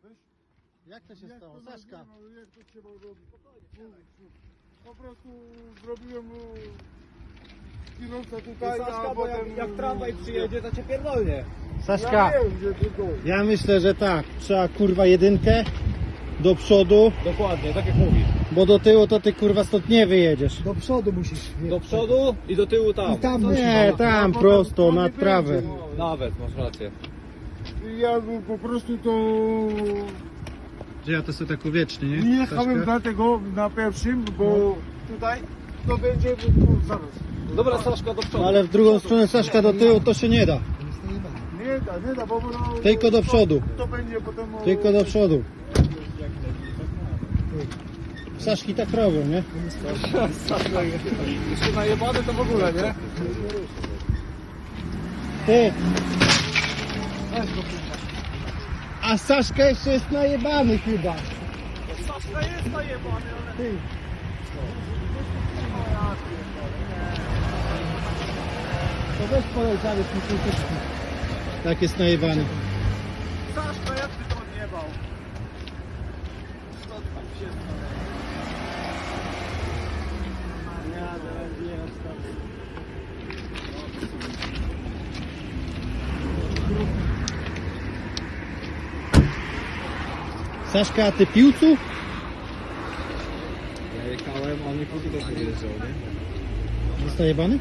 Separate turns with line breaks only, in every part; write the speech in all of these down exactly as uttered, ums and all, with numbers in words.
Jak to się
Jak
stało?
to
Saszka.
nazywam, jak to trzeba robić? Po prostu zrobiłem mu kierowca tutaj,
Saszka,
a
bo jak,
potem...
jak tramwaj przyjedzie, to cię pierdolnie.
Saszka,
Ja wiem, gdzie to to.
ja myślę, że tak. Trzeba kurwa jedynkę do przodu,
Dokładnie, tak jak mówisz.
bo do tyłu to ty kurwa stąd nie wyjedziesz.
Do przodu musisz.
Do przodu i do tyłu tam.
I tam musisz.
Nie, tam
A
prosto,
potem
nad
nie
trawę.
będzie.
Nawet, masz rację.
Ja po prostu to...
Że ja to sobie tak uwiecznię, nie?
Nie jechałem
Saszka?
dlatego na pierwszym, bo tutaj to będzie no, zaraz.
Dobra, Saszka, do przodu.
No ale w drugą stronę Saszka do tyłu to się nie da.
Nie da, nie da, bo no,
Tylko do przodu.
To, to będzie potem... o-
Tylko do przodu. Saszki tak robią, nie?
Saszka, jeszcze najebany to w ogóle, nie?
Ty! A Saszka jeszcze jest najebany chyba.
Saszka jest najebany, ale...
Ty. To weź polej zawiesz mi kultyczki. Tak jest najebany.
Saszka, jak ty to odjebał? Co tam się
Saszka, a ty piłcu?
Ja jechałem, a nie póki też nie jeżdżał, nie?
Jest najebany?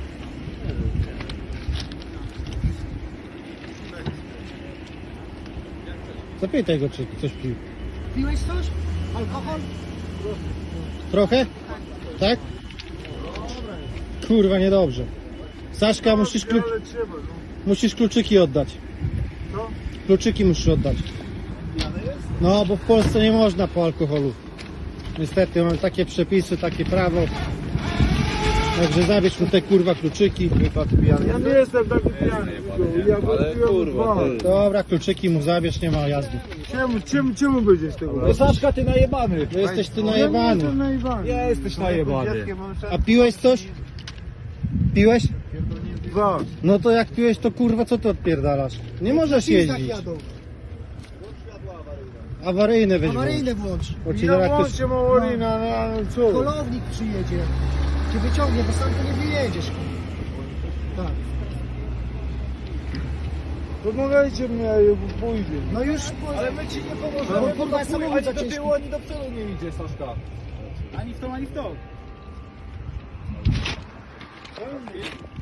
Zapytaj go, czy coś pił.
Piłeś coś? Alkohol?
Trochę? Tak? Kurwa, niedobrze. Saszka, musisz, klu...
Ale trzeba, no.
musisz kluczyki oddać.
Co?
Kluczyki musisz oddać. No, bo w Polsce nie można po alkoholu. Niestety, mamy takie przepisy, takie prawo. Także zabierz mu te kurwa kluczyki.
Ja nie jestem taki pijany. Ja
Ale
wypiłem
kurwa,
dwa.
ty.
Dobra, kluczyki mu zabierz, nie ma jazdy.
Czemu, czemu, czemu będzie z tego?
No Saszka, ty najebany.
No jesteś ty
Ja nie
najebany.
jestem najebany.
Nie jesteś najebany.
A piłeś coś? Piłeś?
Dwa.
No to jak piłeś, to kurwa co ty odpierdalasz? Nie możesz
Tak
jeździć.
jadą.
Awaryjne weź włącz.
Awaryjne włącz.
Bo ci
Ja
zaraz ktoś...
włączę Maurina, no ale co?
Kolownik przyjedzie. Cię wyciągnie, bo sam to nie wyjedziesz. Tak.
Pomagajcie mnie, ja pójdę.
No już
Ale my ci nie
No,
pomożemy, bo
kurwa,
to
samochód
ani
za
do
ciężki.
tyłu, ani do przodu nie idzie, Saszka. Ani w tą, ani w tą.